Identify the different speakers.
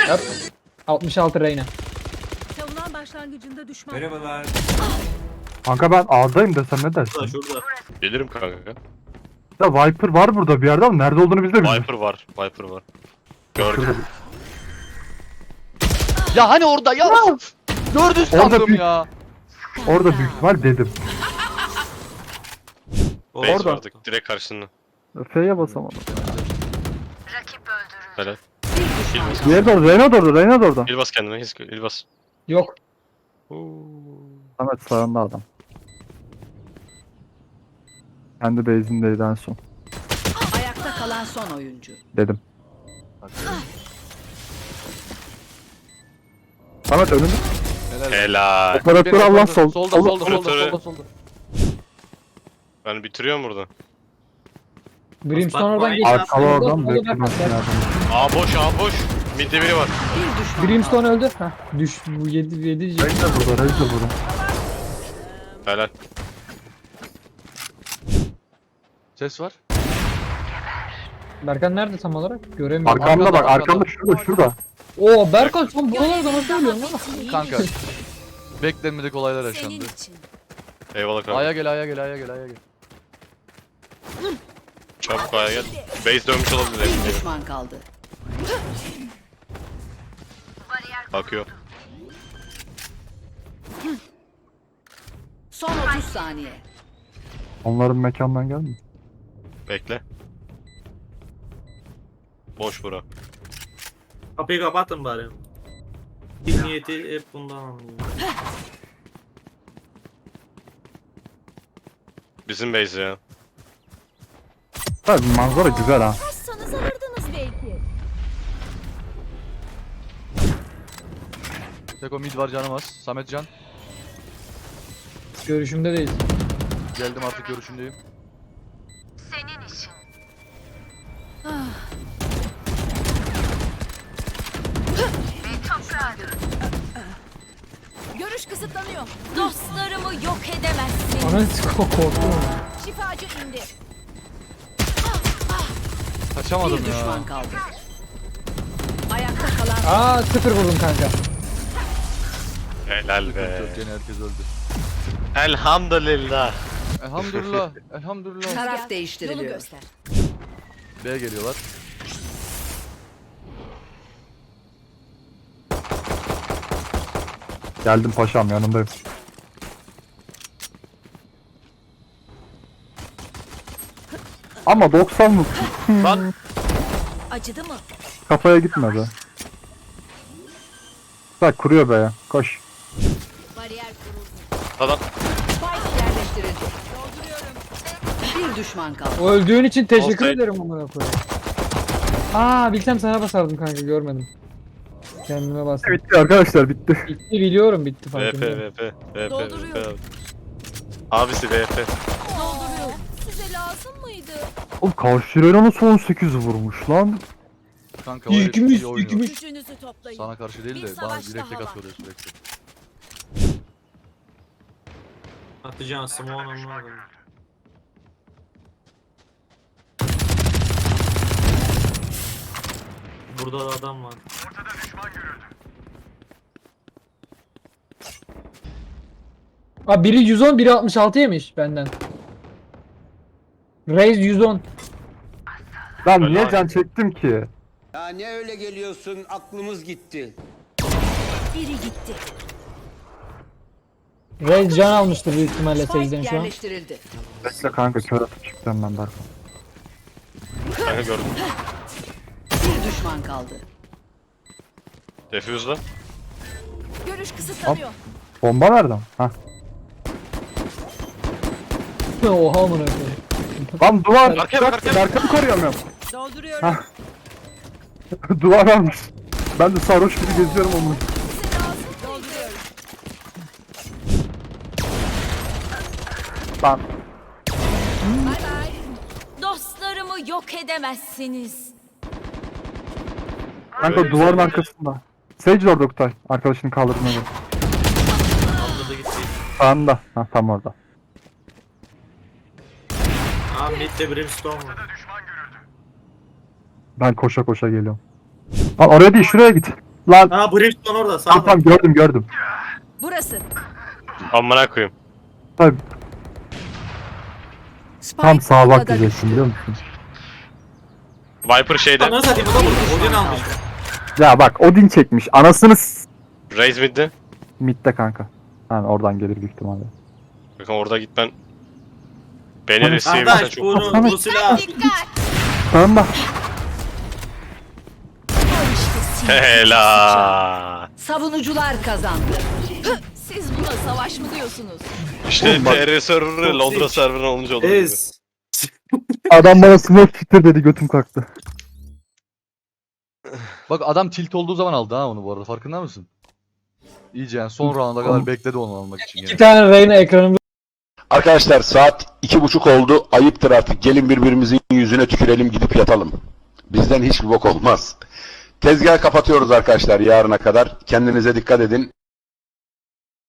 Speaker 1: Yap. 66 Reyna.
Speaker 2: Savunan başlangıcında düşman.
Speaker 3: Merhabalar.
Speaker 4: Kanka ben A'dayım desem ne dersin?
Speaker 3: Şurada şurada.
Speaker 5: Gelirim kanka.
Speaker 4: Ya Viper var burada bir yerde ama nerede olduğunu biz de bilmiyoruz.
Speaker 5: Viper var. Viper var. Gördüm.
Speaker 4: Şurada.
Speaker 6: Ya hani orada ya. Gördün
Speaker 4: Orada
Speaker 6: sandım
Speaker 4: büyük-
Speaker 6: ya.
Speaker 4: Orada büyük ihtimal dedim.
Speaker 5: Base
Speaker 4: Orada.
Speaker 5: vardı. Direkt karşısında.
Speaker 4: F'ye basamadım.
Speaker 5: Helal.
Speaker 2: Bir düşman kaldı.
Speaker 4: Diğeri de orada, Reyna da orada, Reyna da orada.
Speaker 5: İlbas kendine. İlbas.
Speaker 1: Yok.
Speaker 4: Samet sağında adam. Kendi base'indeydi en son.
Speaker 2: Ayakta kalan son oyuncu.
Speaker 4: Dedim. Samet önünde.
Speaker 5: Helal.
Speaker 4: Operatör Allah sol.
Speaker 6: Solda
Speaker 4: Sol-
Speaker 6: solda solda
Speaker 5: Operatörü-
Speaker 6: solda solda.
Speaker 5: Ben bitiriyorum burada.
Speaker 1: Brimstone
Speaker 3: Bak,
Speaker 1: oradan
Speaker 3: bak,
Speaker 1: geçti.
Speaker 4: Arkalı oradan
Speaker 1: Solda
Speaker 4: beklemezsin
Speaker 1: bak.
Speaker 4: yardım.
Speaker 5: A boş, A boş. Midde biri var.
Speaker 2: Bir düşman
Speaker 1: Brimstone öldü. Heh. Düş. Bu 7
Speaker 4: Reyna burada, Reyna burada.
Speaker 5: Helal.
Speaker 6: Ses var.
Speaker 1: Berkan nerede tam olarak? Göremiyorum.
Speaker 4: Arkamda bak,
Speaker 6: arkanda.
Speaker 4: arkamda şurada.
Speaker 1: Oo Berkan sen buralarda nasıl ölüyorsun lan?
Speaker 6: Kanka. Beklenmedik olaylar yaşandı.
Speaker 5: Eyvallah kanka.
Speaker 6: A'ya gel A'ya gel A'ya gel A'ya gel.
Speaker 5: Çabuk A'ya gel. Base dönmüş olabilir.
Speaker 2: Bir
Speaker 5: emin değilim.
Speaker 2: düşman kaldı.
Speaker 5: Bakıyor.
Speaker 2: Son 30 saniye.
Speaker 4: Onların mekandan gelmiyor.
Speaker 5: Bekle. Boş bura.
Speaker 3: Kapıyı kapatın bari. Bir niyeti hep bundan anlıyor.
Speaker 5: Bizim base ya.
Speaker 4: Tabii manzara güzel ha.
Speaker 2: Kaçsanız alırdınız belki.
Speaker 6: Teko mid var canım az. Samet can.
Speaker 1: Görüşümde değil.
Speaker 6: Geldim artık görüşündeyim.
Speaker 2: Görüş kısıtlanıyor. Dostlarımı yok edemezsin.
Speaker 1: Ana korktum.
Speaker 2: Şifacı indi.
Speaker 6: Kaçamadım
Speaker 2: Bir
Speaker 6: ya.
Speaker 2: düşman kaldı. Ayakta kalan
Speaker 1: Aa 0 vurdum kanka.
Speaker 5: Helal be.
Speaker 6: Çok gene herkes öldü.
Speaker 5: Elhamdülillah.
Speaker 6: Elhamdülillah. Elhamdülillah.
Speaker 2: taraf değiştiriliyor. Yolu göster.
Speaker 6: B'ye geliyorlar.
Speaker 4: Geldim paşam yanındayım. Ama 90 mı?
Speaker 5: Lan.
Speaker 2: Acıdı mı?
Speaker 4: Kafaya gitme be. Bak kuruyor be ya. Koş.
Speaker 2: Bariyer kuruldu.
Speaker 5: Adam.
Speaker 2: Spike yerleştirildi. Dolduruyorum. Bir düşman kaldı.
Speaker 1: O öldüğün için teşekkür
Speaker 5: Offside.
Speaker 1: ederim amına koyayım. Aa bilsem sana basardım kanka görmedim. Kendime bastım.
Speaker 4: Bitti arkadaşlar bitti.
Speaker 1: Bitti biliyorum bitti
Speaker 5: VP,
Speaker 1: farkındayım.
Speaker 5: VP, VP,
Speaker 2: Dolduruyorum.
Speaker 5: VP. Abisi VP.
Speaker 2: Dolduruyorum. Size lazım mıydı?
Speaker 4: Oğlum karşı Reyna'nın son 8 vurmuş lan.
Speaker 6: Kanka o herif
Speaker 1: İlkimiz,
Speaker 6: iyi oynuyor.
Speaker 1: ilkimiz.
Speaker 2: Gücünüzü toplayın.
Speaker 6: Sana karşı değil
Speaker 2: Bir
Speaker 6: de bana
Speaker 2: savaş
Speaker 6: direkt tek
Speaker 2: daha
Speaker 6: atıyor sürekli.
Speaker 3: Atacağın Simon anlamadım. Burada da adam var.
Speaker 1: Aa biri 110 biri 66 yemiş benden. Raze 110.
Speaker 4: Ben
Speaker 5: Öyle
Speaker 4: niye
Speaker 5: abi.
Speaker 4: can çektim ki?
Speaker 7: Ya ne öyle geliyorsun? Aklımız gitti.
Speaker 2: Biri gitti.
Speaker 1: Raze can almıştır büyük ihtimalle
Speaker 2: Spike
Speaker 1: Sage'den şu an.
Speaker 2: yerleştirildi.
Speaker 4: Bekle kanka kör atıp çıktım ben Berkan.
Speaker 5: Kanka gördüm.
Speaker 2: Bir düşman kaldı.
Speaker 5: Defuse'da.
Speaker 2: Görüş kısıtlanıyor.
Speaker 4: Bomba nereden? Hah.
Speaker 1: Oha amına koyayım.
Speaker 4: Lan duvar.
Speaker 5: Arkaya bak, arkaya bak.
Speaker 4: Berkan'ı koruyamıyorum.
Speaker 2: Dolduruyorum.
Speaker 4: Hah. Duvar almış. Ben de sarhoş gibi geziyorum onu.
Speaker 2: Size lazım Dolduruyorum.
Speaker 4: Lan.
Speaker 2: Bay bay. Dostlarımı yok edemezsiniz.
Speaker 4: Kanka
Speaker 5: Böyle bir
Speaker 4: duvarın
Speaker 5: şey.
Speaker 4: arkasında. Sage de orada Oktay. Arkadaşını kaldırmaya bak.
Speaker 3: Atladı gitti.
Speaker 4: Sağında. Ha tam orada.
Speaker 3: Aa midde Brimstone var.
Speaker 4: Ben koşa koşa geliyorum. Lan oraya değil şuraya git. Lan
Speaker 3: Ha Brimstone orada sağ
Speaker 4: tamam gördüm.
Speaker 2: Burası.
Speaker 5: Amına koyayım.
Speaker 4: Tabii,
Speaker 2: Spike
Speaker 4: tam sağa bak
Speaker 2: ortada
Speaker 4: diyeceksin biliyor musun?
Speaker 5: Viper şeyde.
Speaker 3: Ananı satayım o da vurdu. Odin almış.
Speaker 4: Ya bak Odin çekmiş. Anasını
Speaker 5: Raze mid'de.
Speaker 4: midde kanka. Yani oradan gelir büyük ihtimalle.
Speaker 5: Bakın orada gitmen. Beni riske
Speaker 3: Kardeş
Speaker 5: çok.
Speaker 3: bu silah.
Speaker 2: Dikkat.
Speaker 4: Tamam.
Speaker 5: Helal.
Speaker 2: Savunucular kazandı. Siz buna savaş mı diyorsunuz?
Speaker 5: İşte TR serverı Londra serverı olunca olur.
Speaker 3: Ez.
Speaker 4: Adam bana smoke fitter dedi, götüm kalktı.
Speaker 6: Bak adam tilt olduğu zaman aldı ha onu bu arada, farkında mısın? İyice yani son rounda kadar bekledi onu almak için
Speaker 1: İki
Speaker 6: yani.
Speaker 1: tane Reyna ekranımda.
Speaker 8: Arkadaşlar saat 2:30 oldu. Ayıptır artık. Gelin birbirimizin yüzüne tükürelim, gidip yatalım. Bizden hiçbir bok olmaz. Tezgah kapatıyoruz arkadaşlar yarına kadar. Kendinize dikkat edin.